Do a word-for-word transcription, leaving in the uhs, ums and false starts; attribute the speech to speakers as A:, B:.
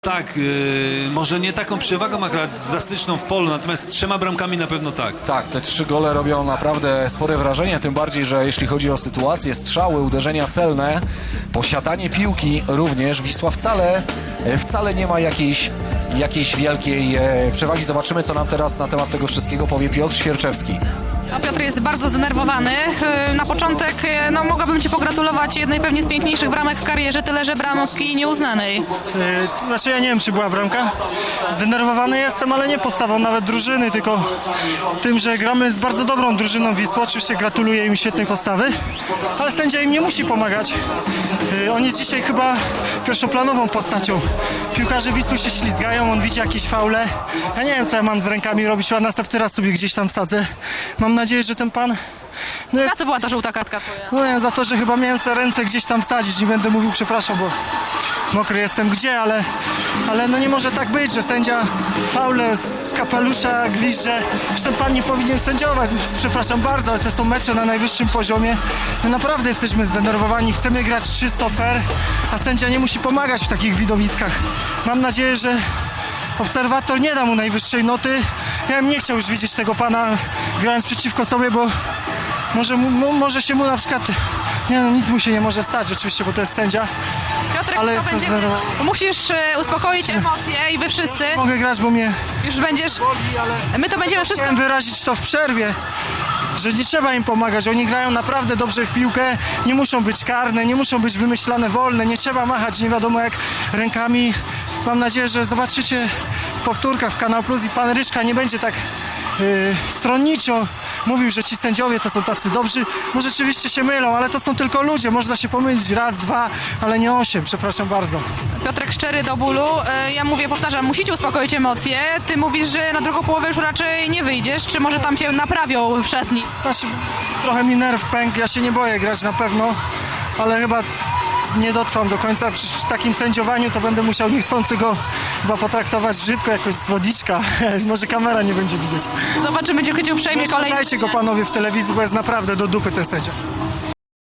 A: Tak, yy, może nie taką przewagą akurat drastyczną w polu, natomiast trzema bramkami na pewno tak.
B: Tak, te trzy gole robią naprawdę spore wrażenie, tym bardziej, że jeśli chodzi o sytuację, strzały, uderzenia celne, posiadanie piłki również, Wisła wcale, wcale nie ma jakiejś, jakiejś wielkiej e, przewagi. Zobaczymy, co nam teraz na temat tego wszystkiego powie Piotr Świerczewski.
C: A Piotr jest bardzo zdenerwowany. Na początek no, mogłabym Ci pogratulować jednej pewnie z piękniejszych bramek w karierze, tyle że bramki nieuznanej.
D: Yy, znaczy ja nie wiem, czy była bramka. Zdenerwowany jestem, ale nie postawą nawet drużyny, tylko tym, że gramy z bardzo dobrą drużyną Wisły. Oczywiście gratuluję im świetnej postawy, ale sędzia im nie musi pomagać. Yy, on jest dzisiaj chyba pierwszoplanową postacią. Piłkarze Wisły się ślizgają, on widzi jakieś faule. Ja nie wiem, co ja mam z rękami robić, a następny raz sobie gdzieś tam sadzę. Mam nadzieję, że ten pan... No,
C: Na co była ta żółta kartka twoja?
D: no nie, za to, że chyba miałem sobie ręce gdzieś tam wsadzić. Nie będę mówił przepraszam, bo mokry jestem gdzie, ale, ale no nie może tak być, że sędzia faule z kapelusza gwizdże. Że ten pan nie powinien sędziować. Przepraszam bardzo, ale to są mecze na najwyższym poziomie. My naprawdę jesteśmy zdenerwowani, chcemy grać czysto, fair, a sędzia nie musi pomagać w takich widowiskach. Mam nadzieję, że obserwator nie da mu najwyższej noty. Ja bym nie chciał już widzieć tego pana grając przeciwko sobie, bo może, mu, może się mu na przykład... Nie no, nic mu się nie może stać oczywiście, bo to jest sędzia.
C: Piotrek,
D: Ale
C: to
D: jestem
C: będzie...
D: zdenerwowany.
C: Musisz e, uspokoić emocje i wy wszyscy
D: Mogę grać, bo mnie...
C: już będziesz... My to będziemy wszystko...
D: Chciałem wyrazić to w przerwie, że nie trzeba im pomagać. Oni grają naprawdę dobrze w piłkę, nie muszą być karne, nie muszą być wymyślane wolne, nie trzeba machać nie wiadomo jak rękami. Mam nadzieję, że zobaczycie w powtórkach w Kanał Plus i pan Ryszka nie będzie tak yy, stronniczo mówił, że ci sędziowie to są tacy dobrzy. Może rzeczywiście się mylą, ale to są tylko ludzie. Można się pomylić raz, dwa, ale nie osiem. Przepraszam bardzo.
C: Piotrek szczery do bólu. E, Ja mówię, powtarzam, musicie uspokoić emocje. Ty mówisz, że na drugą połowę już raczej nie wyjdziesz. Czy może tam cię naprawią w szatni?
D: Znaczy, trochę mi nerw pękł. Ja się nie boję grać na pewno, ale chyba nie dotrwam do końca. Przy takim sędziowaniu to będę musiał niechcący go chyba potraktować brzydko, jakoś z wodiczka. Może kamera nie będzie widzieć.
C: Zobaczymy, czy cię uprzejmie kolejny.
D: Dajcie go panowie w telewizji, bo jest naprawdę do dupy ten sędzia.